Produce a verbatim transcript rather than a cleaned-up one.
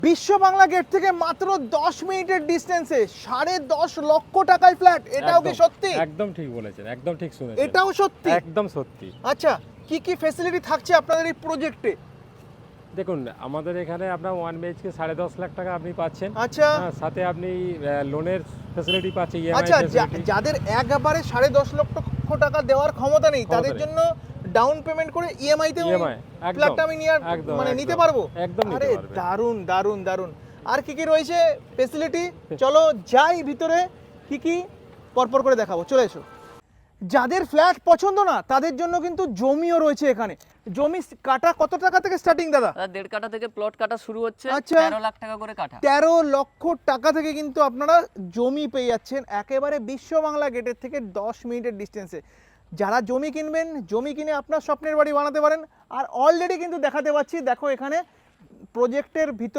বিশ্ব বাংলা গেট থেকে মাত্র দশ মিনিটের ডিস্টেন্সে সাড়ে দশ লক্ষ টাকায় ফ্ল্যাট, এটাও কি সত্যি? একদম ঠিক বলেছেন, একদম ঠিক শুনেছেন, এটাও সত্যি? একদম সত্যি। আচ্ছা, কি কি ফ্যাসিলিটি থাকছে আপনাদের এই প্রজেক্টে? দেখুন, আমাদের এখানে আপনার ওয়ান বিএইচকে সাড়ে দশ লাখ টাকা আপনি পাচ্ছেন। আচ্ছা হ্যাঁ, সাথে আপনি লোনের ফ্যাসিলিটি পাচ্ছেন, ইএমআই আচ্ছা, যা- ফ্যাসিলিটি। যাদের একবারে সাড়ে দশ লক্ষ টাকা দেওয়ার ক্ষমতা নেই ক্ষমতা তাদের নেই। জন্য ডাউন পেমেন্ট করে ইএমআই তে ইএমআই একদম ফ্ল্যাটটা আমি নিয়ে একদম, মানে একদম, নিতে পারবো? একদম নিতে আরে পারবেন। দারুন দারুন দারুন। আর কি কি রয়েছে ফেসিলিটি? চলো যাই ভিতরে, কি কি পরপর করে দেখাবো, চলে এসো। যাদের ফ্ল্যাট পছন্দ না তাদের জন্য কিন্তু জমিও রয়েছে এখানে। জমি কাটা কত টাকা থেকে স্টার্টিং দাদা? দাদা দেড় কাঠা থেকে প্লট কাটা শুরু হচ্ছে, আচ্ছা। তেরো লাখ টাকা করে কাঠা। তেরো লক্ষ টাকা থেকে কিন্তু আপনারা জমি পেয়ে যাচ্ছেন একেবারে বিশ্ব বাংলা গেটের থেকে দশ মিনিটের ডিস্টেন্সে। যারা জমি কিনবেন, জমি কিনে আপনার স্বপ্নের বাড়ি বানাতে পারেন। আর অলরেডি কিন্তু দেখাতে পাচ্ছি, দেখো এখানে প্রজেক্টের ভিতর